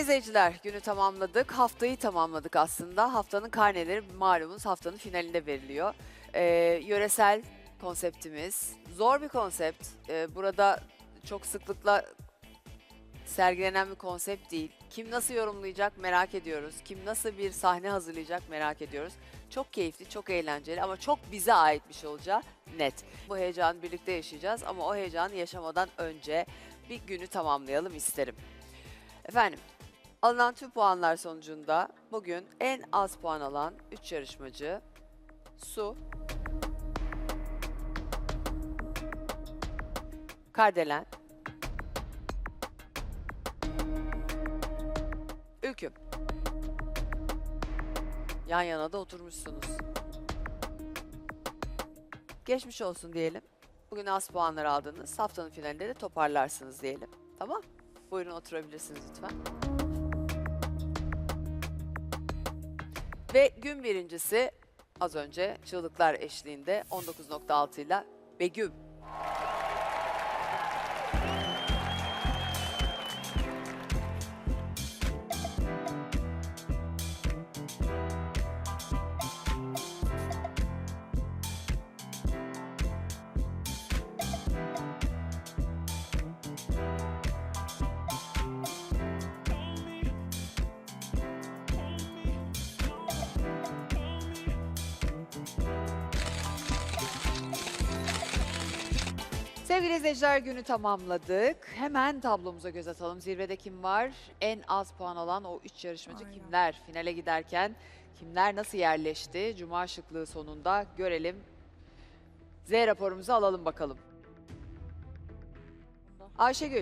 izleyiciler, günü tamamladık. Haftayı tamamladık aslında. Haftanın karneleri malumunuz haftanın finalinde veriliyor. Yöresel konseptimiz. Zor bir konsept. Burada çok sıklıkla sergilenen bir konsept değil. Kim nasıl yorumlayacak merak ediyoruz. Kim nasıl bir sahne hazırlayacak merak ediyoruz. Çok keyifli, çok eğlenceli ama çok bize ait bir şey olacağı net. Bu heyecanı birlikte yaşayacağız ama o heyecanı yaşamadan önce bir günü tamamlayalım isterim. Efendim, alınan tüm puanlar sonucunda bugün en az puan alan 3 yarışmacı Su, Kardelen, Ülküm. Yan yana da oturmuşsunuz. Geçmiş olsun diyelim. Bugün az puanlar aldınız. Haftanın finalinde de toparlarsınız diyelim. Tamam? Buyurun oturabilirsiniz lütfen. Ve gün birincisi az önce çığlıklar eşliğinde 19.6 ile Begüm. Sevgili izleyiciler, günü tamamladık. Hemen tablomuza göz atalım. Zirvede kim var? En az puan alan o 3 yarışmacı Aynen. kimler? Finale giderken kimler nasıl yerleşti? Cuma şıklığı sonunda görelim. Z raporumuzu alalım bakalım. Ayşegül.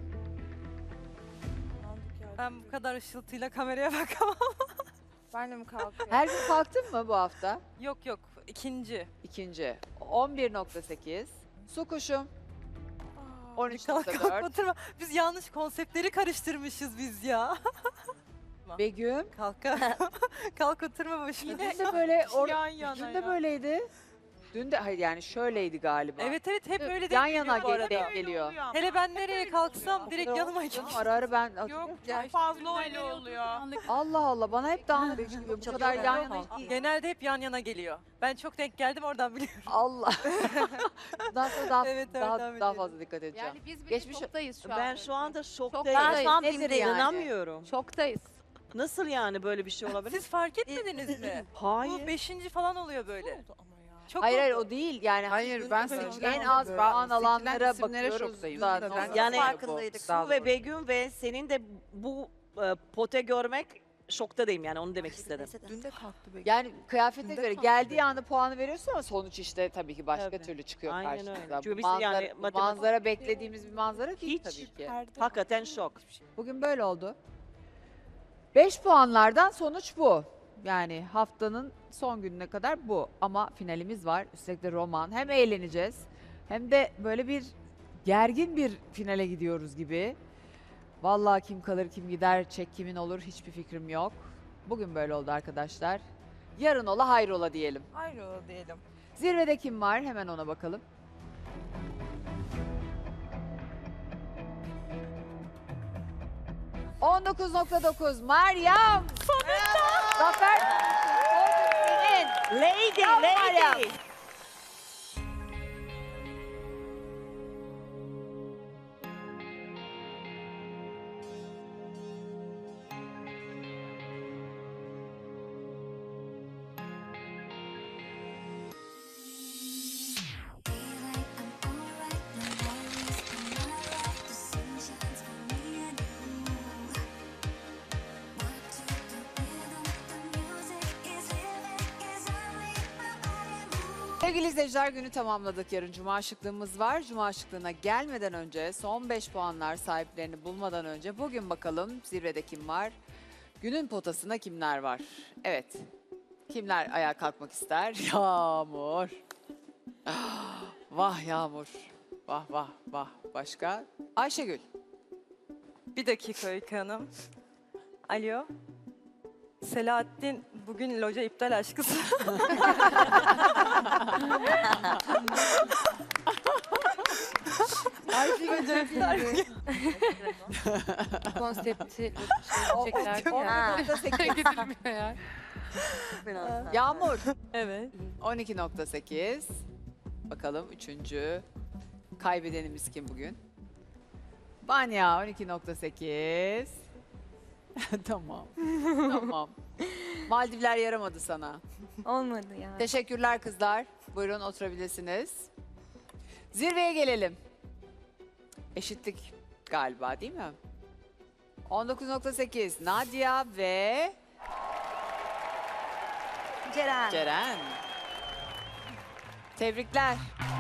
Ben bu kadar ışıltıyla kameraya bakamam. Ben de mi kalkıyorum? Her gün kalktın mı bu hafta? Yok yok, ikinci. İkinci. 11.8. Su kuşum. Kalk 13.4. oturma. Biz yanlış konseptleri karıştırmışız biz ya. Begüm. Kalk kalk oturma başına. Dün de böyle Yan yana dün de ya. böyleydi. Dün de hayır yani şöyleydi galiba. Evet hep öyle Yan denk yana geliyor bu arada. denk geliyor. Hele ben nereye kalksam O direkt kadar yanıma olmuyor geliyor. canım, Ara ara ben Yok hatırlıyorum. çok fazla öyle oluyor. Allah Allah bana hep dağınık çıkıyor. Bu kadar yan yana Genelde hep yan yana geliyor. Ben çok denk geldim oradan biliyorum. Allah. Bundan sonra daha, Evet, daha, devam daha edelim. fazla dikkat edeceğim. Yani biz bile Geçmiş- şoktayız şu an. Ben şu anda şoktayım. Ben şu an Nedir BİM'deyim. yani? İnanamıyorum. Şoktayız. Nasıl yani böyle bir şey olabilir? Siz fark etmediniz mi? Hayır. Bu 5. falan oluyor böyle. Çok Hayır hayır oldu. o değil yani. Hayır, dün ben en seçilen az böyle. puan alanlara Seçilen isimlere bakıyoruz. şoktayım. Da- Ben nasıl Yani oluyor bu? farkındaydık. Daha Su ve doğru. Begüm ve senin de bu pote görmek şoktadayım yani onu demek istedim. Dün de kalktı be. Yani kıyafete Dün de göre kalktı geldiği dedi. anda puanı veriyorsun ama sonuç işte tabii ki başka Tabii. türlü çıkıyor Aynen karşımıza. öyle. Çünkü Bu biz manzara, yani bu matematik- manzara beklediğimiz bir manzara değil Hiç. tabii ki. Hakikaten şok. Bugün böyle oldu. 5 puanlardan sonuç bu. Yani haftanın son gününe kadar bu. Ama finalimiz var. Üstelik de roman. Hem eğleneceğiz hem de böyle bir gergin bir finale gidiyoruz gibi. Vallahi kim kalır kim gider çek kimin olur hiçbir fikrim yok. Bugün böyle oldu arkadaşlar. Yarın ola hayrola diyelim. Hayrola diyelim. Zirvede kim var hemen ona bakalım. ...19.9 Meryem. Sonunda. Zafer. Senin. Lady, Bravo Meryem. lady. Sevgili izleyiciler günü tamamladık. Yarın Cuma şıklığımız var. Cuma şıklığına gelmeden önce son 5 puanlar sahiplerini bulmadan önce bugün bakalım zirvede kim var? Günün potasında kimler var? Evet. Kimler ayağa kalkmak ister? Yağmur. Vah Yağmur. Vah vah vah. Başka? Ayşegül. Bir dakika Öykü Hanım. Alo. Selahattin bugün loca iptal aşkısı. Konsepti Ha. gidilmiyor ya. Yağmur Evet. 12.8. Bakalım üçüncü kaybedenimiz kim bugün? Vanya 12.8. Tamam. Tamam. Maldivler yaramadı sana. Olmadı ya. Teşekkürler kızlar. Buyurun oturabilirsiniz. Zirveye gelelim. Eşitlik galiba değil mi? 19.8 Nadia ve Ceren. Ceren. Tebrikler.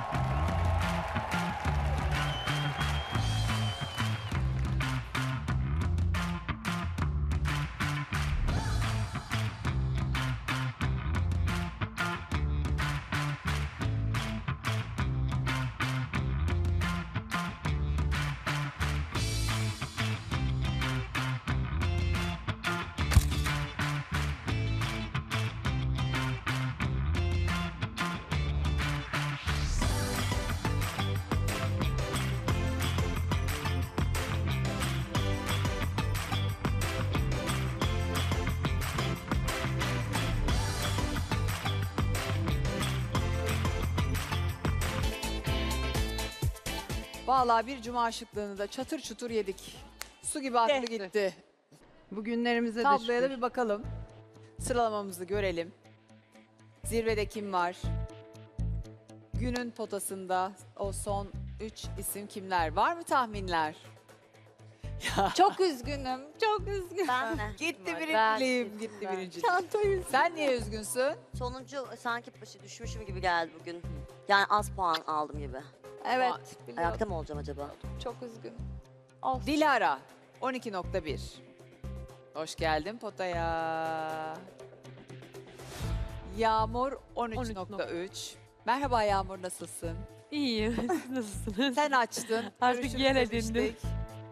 Vallahi bir cuma şıklığını da çatır çutur yedik. Su gibi aklı gitti. Bugünlerimize de Tabloya da şükür. bir bakalım. Sıralamamızı görelim. Zirvede kim var? Günün potasında o son 3 isim kimler? Var mı tahminler? Çok üzgünüm. Çok üzgünüm. Ben de. Gitti Ben birinciliğim, gittim gitti ben. birinciliğim. Sen niye üzgünsün? Sonuncu sanki başı düşmüşüm gibi geldi bugün. Yani az puan aldım gibi. Evet. biliyorum. Ayakta mı olacağım acaba? Çok üzgünüm. Of. Dilara 12.1. Hoş geldin potaya. Yağmur 13.3. Merhaba Yağmur, nasılsın? İyiyim. Siz nasılsınız? Sen açtın. Artık görüşümüzü yer edindim. demiştik.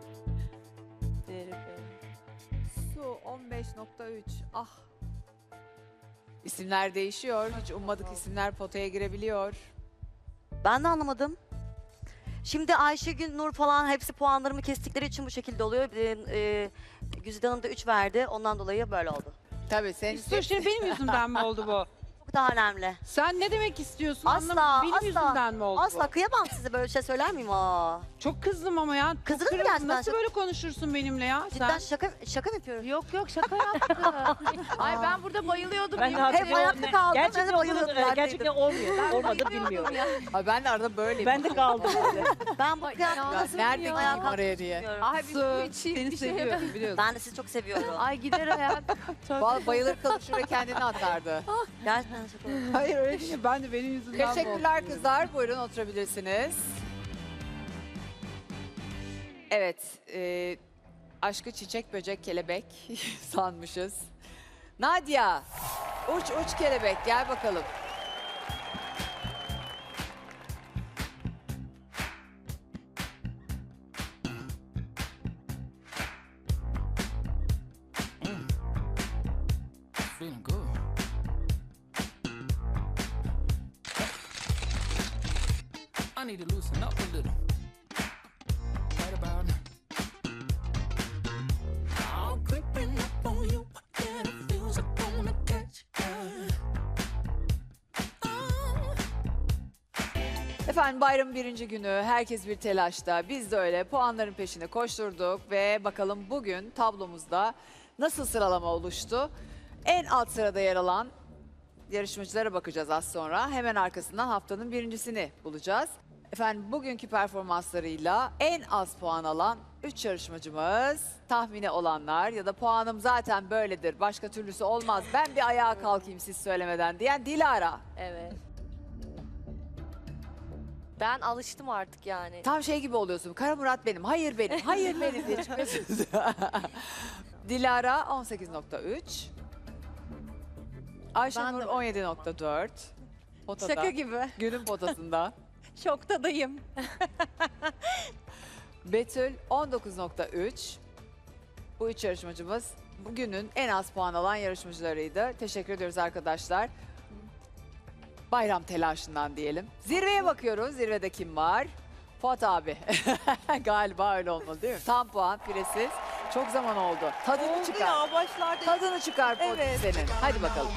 Su 15.3. Ah. İsimler değişiyor. Hiç ummadık isimler potaya girebiliyor. Ben de anlamadım. Şimdi Ayşegül, Nur falan hepsi puanlarımı kestikleri için bu şekilde oluyor. Güzide Hanım da 3 verdi. Ondan dolayı böyle oldu. Tabii sen Dur şimdi benim yüzümden mi oldu bu? Çok daha önemli. Sen ne demek istiyorsun? Asla, Anlamadım. Benim asla, yüzümden mi oldu Asla bu? kıyamam size, böyle şey söyler miyim? Aa. Çok kızdım ama ya. Çok Kızdın mı kırıldım. gerçekten? Nasıl böyle konuşursun benimle ya? Cidden Sen? şaka mı yapıyorum? Yok şaka yaptım. Ay ben burada bayılıyordum. Ben de Hep hatırlıyorum. ayakta kaldım. Gerçekten ben de bayılıyordum. gerçekten olmuyor. Olmadı bilmiyorum. Ay ben de arada böyleyim. Ben de kaldım öyle. Ben bu kıyafet Ya nerede gideyim ayağa oraya diye. kalkıyorum. Ay bir su içeyim, Seni bir şey seviyorum yapayım. biliyorsun. Ben de sizi çok seviyorum. Ay gider ayak. Vallahi bayılır kalır şuraya kendini atardı. Gerçekten şaka yapıyorum. Hayır öyle değil. Ben de benim yüzümden mi oldu? Teşekkürler kızlar. Buyurun oturabilirsiniz. Evet. Aşkı çiçek, böcek, kelebek sanmışız. Nadia. Uç uç kelebek. Gel bakalım. Feeling good. I need to loosen up a little. Right about now. I'm creeping up on you, and it feels like I wanna catch you. Efendim bayramın birinci günü. Herkes bir telaşta. Biz de öyle puanların peşine koşturduk ve bakalım bugün tablomuzda nasıl sıralama oluştu? En alt sırada yer alan yarışmacılara bakacağız az sonra. Hemen arkasından haftanın birincisini bulacağız. Efendim bugünkü performanslarıyla en az puan alan 3 yarışmacımız, tahmini olanlar ya da puanım zaten böyledir, başka türlüsü olmaz, ben bir ayağa kalkayım siz söylemeden diyen Dilara. Evet. Ben alıştım artık yani. Tam şey gibi oluyorsun. Kara Murat benim, hayır benim, hayır benim diye çıkıyorsun. Dilara 18.3. Ayşenur 17.4. Potada. Şaka gibi. Günün potasında. Şoktadayım. Betül 19.3. Bu üç yarışmacımız bugünün en az puan alan yarışmacılarıydı. Teşekkür ediyoruz arkadaşlar. Bayram telaşından diyelim. Zirveye bakıyoruz. Zirvede kim var? Fuat abi. Galiba öyle olmalı değil mi? Tam puan, piresiz. Çok zaman oldu. Tadını Oldu çıkar. ya başlarda. Tadını çıkar Potti Evet. senin. Hadi bakalım.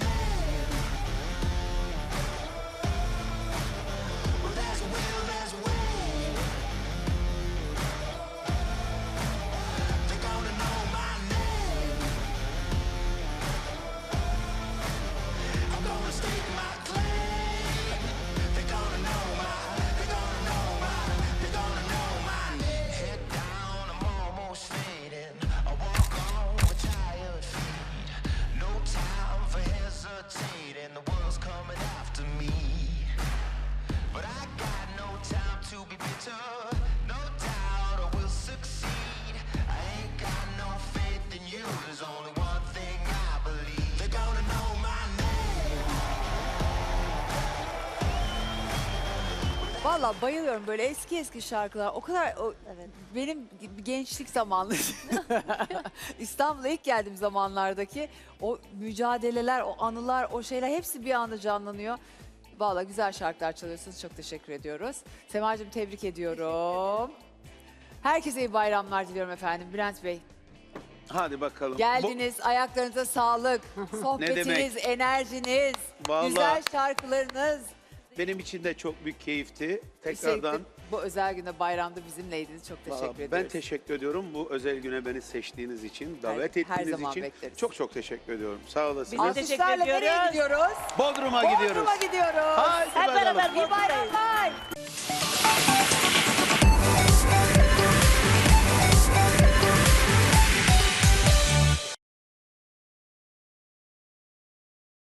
Vallahi bayılıyorum böyle eski şarkılar. O kadar Evet. benim gençlik zamanları. İstanbul'a ilk geldiğim zamanlardaki o mücadeleler, o anılar, o şeyler hepsi bir anda canlanıyor. Vallahi güzel şarkılar çalıyorsunuz. Çok teşekkür ediyoruz. Semacığım tebrik ediyorum. Herkese iyi bayramlar diliyorum efendim. Bülent Bey Hadi bakalım. geldiniz. Ayaklarınıza sağlık. Sohbetiniz, enerjiniz, Vallahi- güzel şarkılarınız. Benim için de çok büyük keyifti. Tekrardan Teşekkür- Bu özel günde bayramda bizimleydiniz. Çok teşekkür ediyoruz. ben teşekkür ediyorum bu özel güne beni seçtiğiniz için, davet Her ettiğiniz zaman için. bekleriz. Çok teşekkür ediyorum. Sağ olasınız. Biz de teşekkür Alkışlarla nereye ediyoruz. gidiyoruz? Bodrum'a gidiyoruz. Bodrum'a gidiyoruz. Haydi Hep bakalım. beraber İyi bayramlar.